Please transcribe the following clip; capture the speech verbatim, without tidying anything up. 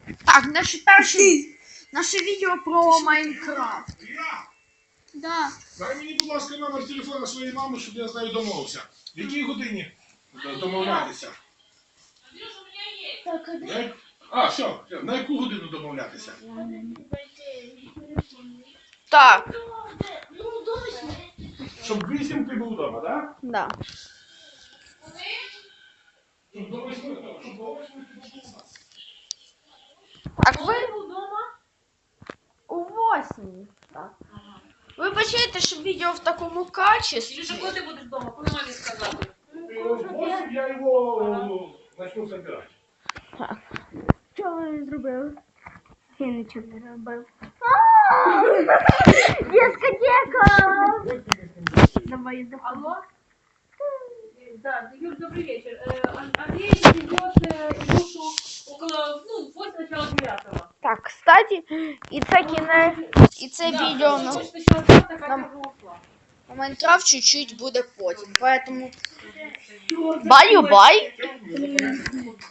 Так, наше перше, наше відео про Майнкрафт. Да. Дай мені, будь ласка, номер телефона своєї мами, щоб я з нею домовився. В якій годині домовлятися? Так, а На як- А, все, все, на яку годину домовлятися? Так, Ну, до восьми. Щоб вісім ти був вдома, так? да. Щоб до восьми, так, щоб до восьми ти був у нас. Так, ви вдома? у восьмій. Так. Ви бачите, що відео в такому качестві. Ілюша, коли ти будеш вдома? Коли мамі сказати? В восемь я його начну собирати. Що він зробив? Я нічого не робив. Дискотека! Давай, давай. Алло? Да, Юр, добрый вечер. Э, Ан- Андрей привез э, Илюшу около, ну, после начала девятого. Так, кстати, і це кінець, і це Да, відео если на, хочет еще остаться, как нам- я уже ушла. на Майнкрафт чуть-чуть буде потім. Поэтому баю-бай.